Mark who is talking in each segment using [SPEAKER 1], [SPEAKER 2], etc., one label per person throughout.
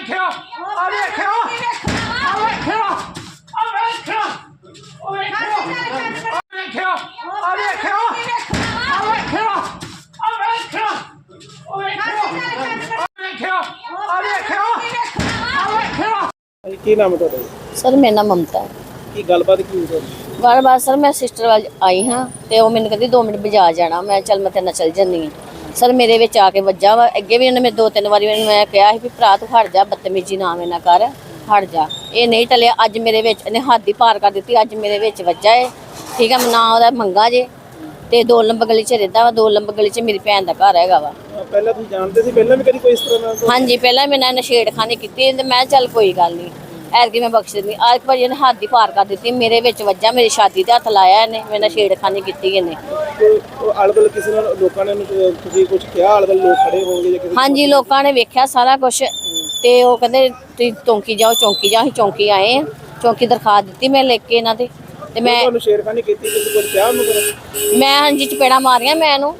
[SPEAKER 1] ਕੀ ਨਾਮ ਹੈ ਤੁਹਾਡਾ?
[SPEAKER 2] सर मेरा नाम ममता है।
[SPEAKER 1] ਕੀ ਗੱਲਬਾਤ ਕੀ ਹੋਈ?
[SPEAKER 2] बार सर मैं सिस्टर वाल आई हाँ तो वो मैंने कहती 2 मिनट बाजार जाना, मैं चल मैं तेरे नाल चल जानी हाँ। सर मेरे विच आके वज्जा वा, अगे भी उन्हें 2-3 बारी मैं कहा भी भरा तू हट जा, बदतमीजी ना मेरे कर हट जा, ये नहीं टलिया। अज मेरे विच इन्हें हद ही पार कर दी, अज मेरे विच वज्जा है, ठीक है, ना वो मंगा जे ते 2 नंबर गली च रहता वा, 2 नंबर गली च मेरी भैन का घर हैगा वा।
[SPEAKER 1] ਪਹਿਲਾਂ ਤੁਸੀਂ ਜਾਣਦੇ ਸੀ? ਪਹਿਲਾਂ ਵੀ ਕਦੀ ਕੋਈ ਇਸ ਤਰ੍ਹਾਂ ਦਾ?
[SPEAKER 2] हाँ जी, पहला मैंने नशेड़खानी की, मैं चल कोई गल नहीं, ऐतकी मैं बख्श दी। आज भाजी ने हद ही पार कर दी, मेरे विच वज्जा, मेरी शादी ते हथ लाया इन्हें, मैं नशेड़खानी की इन्हें।
[SPEAKER 1] आले-दुआले किसी ने लोगों ने ਤੁਸੀਂ ਕੁਝ ਕਿਹਾ? आले-दुआले लोग खड़े होंगे ਜਾਂ ਕਿਸੇ?
[SPEAKER 2] हाँ जी, लोगों ने वेख्या सारा कुछ ते वो कहंदे तुसीं चौंकी जाओ, चौंकी जाओ। असीं चौंकी आए हैं, चौंकी दरखास्त दी मैं लिख के इन्हां दे ते मैं
[SPEAKER 1] ਤੁਹਾਨੂੰ ਸ਼ੇਰਖਾਨੀ ਕੀਤੀ, ਤੁਸੀਂ ਕੁਝ ਕਿਹਾ ਉਹਨੂੰ ਫਿਰ?
[SPEAKER 2] मैं हाँ जी चपेड़ा मारियां, मैं इहनूं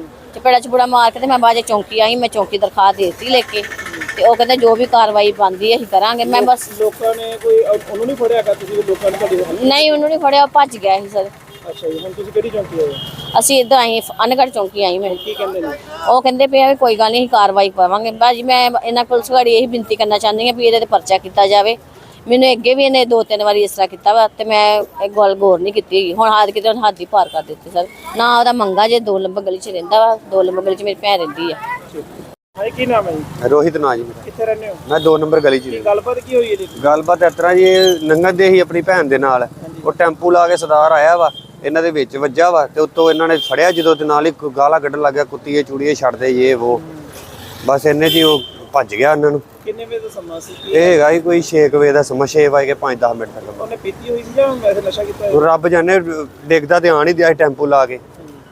[SPEAKER 2] चपेड़ा मार के ते मैं बाजे चौंकी आई, मैं चौंकी दरखास्त देती लिख के ते ਉਹ ਕਹਿੰਦੇ ਜੋ ਵੀ ਕਾਰਵਾਈ ਬਣਦੀ ਅਸੀਂ ਕਰਾਂਗੇ। ਮੈਂ ਬਸ
[SPEAKER 1] ਲੋਕਾਂ ਨੇ ਕੋਈ ਉਹਨੂੰ ਨਹੀਂ ਫੜਿਆ? ਕਿ ਤੁਸੀਂ ਲੋਕਾਂ ਨੇ ਤੁਹਾਡੀ?
[SPEAKER 2] ਨਹੀਂ, ਉਹਨੂੰ ਨਹੀਂ ਫੜਿਆ, ਉਹ ਭੱਜ ਗਿਆ ਸੀ ਸਰ।
[SPEAKER 1] ਅੱਛਾ ਜੀ, ਹੁਣ ਤੁਸੀਂ ਕਿਹੜੀ ਚੌਂਕੀ ਆਏ?
[SPEAKER 2] ਅਸੀਂ ਇੱਧਰ ਆਏ ਅਨਗੜ ਚੌਂਕੀ ਆਈ ਮੈਂ।
[SPEAKER 1] ਕੀ ਕਹਿੰਦੇ ਨੇ?
[SPEAKER 2] ਉਹ ਕਹਿੰਦੇ ਪਏ ਆ ਵੀ ਕੋਈ ਗੱਲ ਨਹੀਂ, ਅਸੀਂ ਕਾਰਵਾਈ ਪਾਵਾਂਗੇ। ਭਾਜੀ ਮੈਂ ਇਹਨਾਂ ਪੁਲਿਸ ਵਾਲੀ ਇਹੀ ਬੇਨਤੀ ਕਰਨਾ ਚਾਹੁੰਦੀ ਹਾਂ ਵੀ ਇਹਦੇ ਤੇ ਪਰਚਾ ਕੀਤਾ ਜਾਵੇ। ਮੈਨੂੰ ਅੱਗੇ ਵੀ ਇਹਨੇ 2-3 ਵਾਰੀ ਇਸ ਤਰ੍ਹਾਂ ਕੀਤਾ ਵਾ ਤੇ ਮੈਂ ਇਹ ਗੱਲ ਗੌਰ ਨਹੀਂ ਕੀਤੀ ਹੈਗੀ। ਹੁਣ ਹੱਦ ਕਿਤੇ ਹੱਦ ਹੀ ਪਾਰ ਕਰ ਦਿੱਤੀ ਸਰ। ਨਾ ਉਹਦਾ ਮੰਗਾ ਜੇ 2 ਨੰਬਰ ਗਲੀ 'ਚ ਰਹਿੰਦਾ ਵਾ, 2 ਨੰਬਰ ਗਲੀ 'ਚ ਮੇਰੀ ਭੈਣ ਰਹਿੰਦੀ ਆ।
[SPEAKER 1] ਹਾਂ, ਕੀ ਨਾਮ ਹੈ ਜੀ?
[SPEAKER 3] रोहित ना जी मेरा।
[SPEAKER 1] ਕਿੱਥੇ ਰਹਿੰਦੇ ਹੋ?
[SPEAKER 3] मैं 2 नंबर गली च।
[SPEAKER 1] ਕੀ ਗੱਲਬਾਤ ਕੀ ਹੋਈ ਹੈ ਜੀ?
[SPEAKER 3] ਗੱਲਬਾਤ ਇਸ ਤਰ੍ਹਾਂ ਜੀ, ਇਹ ਲੰਘਦੇ ਹੀ ਆਪਣੀ ਭੈਣ ਦੇ ਨਾਲ, ਉਹ ਟੈਂਪੂ ਲਾ ਕੇ ਸਰਦਾਰ ਆਇਆ ਵਾ, ਇਹਨਾਂ ਦੇ ਵਿੱਚ ਵੱਜਾ ਵਾ ਤੇ ਉੱਤੋਂ ਇਹਨਾਂ ਨੇ ਫੜਿਆ ਜਦੋਂ ਤੇ ਨਾਲ ਹੀ ਗਾਲਾਂ ਕੱਢਣ ਲੱਗ ਗਿਆ, ਕੁੱਤੀਏ ਚੂੜੀਏ ਛੱਡਦੇ ਇਹ ਉਹ। ਬਸ ਇੰਨੇ 'ਚ ਹੀ ਉਹ ਭੱਜ ਗਿਆ ਉਹਨਾਂ ਨੂੰ।
[SPEAKER 1] ਕਿੰਨੇ ਵਜੇ ਦਾ ਸਮਾਂ ਸੀ?
[SPEAKER 3] ਇਹ ਹੈਗਾ ਜੀ ਕੋਈ 6 ਵਜੇ ਦਾ ਸਮਾਂ, 6 ਵਜੇ ਕੇ 5-10 ਮਿੰਟ ਤੱਕ।
[SPEAKER 1] ਉਹਨੇ ਪੀਤੀ ਹੋਈ ਸੀ ਜਾਂ ਵੈਸੇ ਨਸ਼ਾ ਕੀਤਾ ਹੋਇਆ?
[SPEAKER 3] ਰੱਬ ਜਾਣੇ, ਦੇਖਦਾ ਤੇ ਆਣ ਹੀ ਦਿਆ ਟੈਂਪੂ ਲਾ ਕੇ।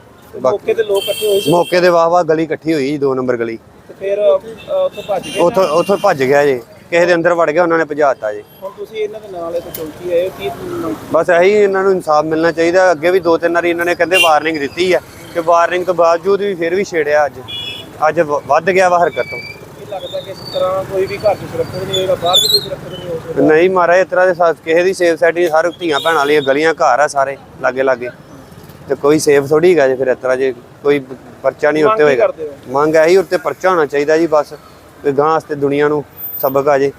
[SPEAKER 1] ਮੌਕੇ ਤੇ ਲੋਕ ਇਕੱਠੇ ਹੋਏ ਸੀ?
[SPEAKER 3] ਮੌਕੇ ਤੇ ਵਾਹ ਗਲੀ ਇਕੱਠੀ ਹੋਈ ਜੀ, 2 ਨੰਬਰ ਗਲੀ।
[SPEAKER 1] ਤੇ ਫਿਰ ਉੱਥੋਂ ਭੱਜ ਗਏ?
[SPEAKER 3] ਉੱਥੋਂ ਭੱਜ ਗਿਆ ਜੀ, ਕਿਸੇ ਦੇ ਅੰਦਰ ਵੜ ਗਿਆ, ਉਹਨਾਂ ਨੇ ਭਜਾਤਾ ਜੀ।
[SPEAKER 1] ਹੁਣ ਤੁਸੀਂ ਇਹਨਾਂ ਦੇ ਨਾਲ ਇੱਥੇ ਚੌਂਕੀ ਆਏ ਹੋ, ਕੀ
[SPEAKER 3] ਬਸ ਇਹੀ ਇਹਨਾਂ ਨੂੰ ਇਨਸਾਫ ਮਿਲਣਾ ਚਾਹੀਦਾ। ਅੱਗੇ ਵੀ 2-3 ਵਾਰੀ ਇਹਨਾਂ ਨੇ ਕਹਿੰਦੇ ਵਾਰਨਿੰਗ ਦਿੱਤੀ ਹੈ ਕਿ ਵਾਰਨਿੰਗ ਤੋਂ ਬਾਵਜੂਦ ਵੀ ਫਿਰ ਵੀ ਛੇੜਿਆ। ਅੱਜ ਵੱਧ ਗਿਆ ਵਾ ਹਰਕਤ ਤੋਂ।
[SPEAKER 1] ਲੱਗਦਾ ਕਿ ਇਸ ਤਰ੍ਹਾਂ ਕੋਈ ਵੀ ਘਰ 'ਚ ਸੁਰੱਖਿਅਤ ਨਹੀਂ ਹੋਏਗਾ, ਬਾਹਰ ਵੀ ਕੋਈ ਸੁਰੱਖਿਅਤ ਨਹੀਂ ਹੋ ਸਕਦਾ?
[SPEAKER 3] ਨਹੀਂ ਮਹਾਰਾਜ, ਇਸ ਤਰ੍ਹਾਂ ਦੇ ਕਿਸੇ ਦੀ ਸੇਫ ਸਾਈਡ ਨਹੀਂ। ਹਰ ਧੀਆਂ ਭੈਣਾਂ ਵਾਲੀਆਂ ਗਲੀਆਂ ਘਰ ਆ ਸਾਰੇ ਲਾਗੇ ਤੇ ਕੋਈ ਸੇਫ ਥੋੜੀ ਹੈਗਾ ਜੇ ਫਿਰ ਇਸ ਤਰ੍ਹਾਂ ਜੇ ਕੋਈ ਪਰਚਾ ਨਹੀਂ ਉੱਤੇ ਹੋਏਗਾ। ਮੰਗ ਇਹੀ ਉੱਤੇ ਪਰਚਾ ਹੋਣਾ ਚਾਹੀਦਾ ਜੀ, ਬਸ ਕੋਈ ਗਾਂ ਵਾਸਤੇ ਦੁਨੀਆ ਨੂੰ ਸਬਕ ਆ ਜੇ।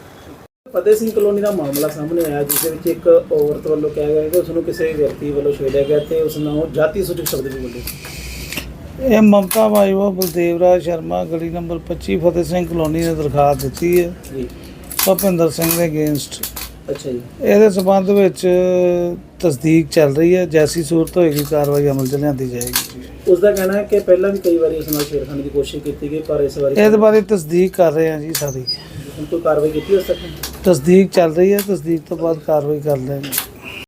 [SPEAKER 1] ਫਤਿਹ ਸਿੰਘ ਕਲੋਨੀ ਦਾ ਮਾਮਲਾ ਸਾਹਮਣੇ ਆਇਆ, ਜਿਸ ਦੇ ਵਿੱਚ ਇੱਕ ਔਰਤ ਵੱਲੋਂ ਕਿਹਾ ਗਿਆ ਕਿ ਉਸ ਨੂੰ ਕਿਸੇ ਵਿਅਕਤੀ ਵੱਲੋਂ ਛੇੜਿਆ ਗਿਆ ਤੇ ਉਸ ਨੂੰ ਜਾਤੀ ਸੂਚਕ ਸ਼ਬਦ ਵੀ ਬੋਲੇ।
[SPEAKER 4] ਇਹ ਮਮਤਾ ਬਾਈਵਾ ਬਲਦੇਵ ਰਾਜ ਸ਼ਰਮਾ ਗਲੀ ਨੰਬਰ 25 ਫਤਿਹ ਸਿੰਘ ਕਲੋਨੀ ਨੇ ਦਰਖਾਸਤ ਦਿੱਤੀ ਹੈ
[SPEAKER 1] ਜੀ
[SPEAKER 4] ਭੁਪਿੰਦਰ ਸਿੰਘ ਦੇ ਅਗੇਂਸਟ।
[SPEAKER 1] ਅੱਛਾ ਜੀ।
[SPEAKER 4] ਇਹਦੇ ਸਬੰਧ ਵਿੱਚ ਤਸਦੀਕ ਚੱਲ ਰਹੀ ਹੈ, ਜੈਸੀ ਸੂਰਤ ਹੋਏਗੀ ਕਾਰਵਾਈ ਅਮਲ 'ਚ ਲਿਆਂਦੀ ਜਾਏਗੀ।
[SPEAKER 1] ਉਸ ਦਾ ਕਹਿਣਾ ਹੈ ਕਿ ਪਹਿਲਾਂ ਵੀ ਕਈ ਵਾਰੀ ਉਸ ਨਾਲ ਛੇੜਖਾਨੀ ਦੀ ਕੋਸ਼ਿਸ਼ ਕੀਤੀ ਗਈ, ਪਰ ਇਸ ਵਾਰੀ
[SPEAKER 4] ਇਹਦੇ ਬਾਰੇ ਤਸਦੀਕ ਕਰ ਰਹੇ ਹਾਂ ਜੀ ਸਾਰੀ।
[SPEAKER 1] ਹੁਣ ਕੋਈ ਕਾਰਵਾਈ ਕੀਤੀ ਉਸ ਤੱਕ?
[SPEAKER 4] ਤਸਦੀਕ ਚੱਲ ਰਹੀ ਹੈ, ਤਸਦੀਕ ਤੋਂ ਬਾਅਦ ਕਾਰਵਾਈ ਕਰ ਲੈਂਗੇ।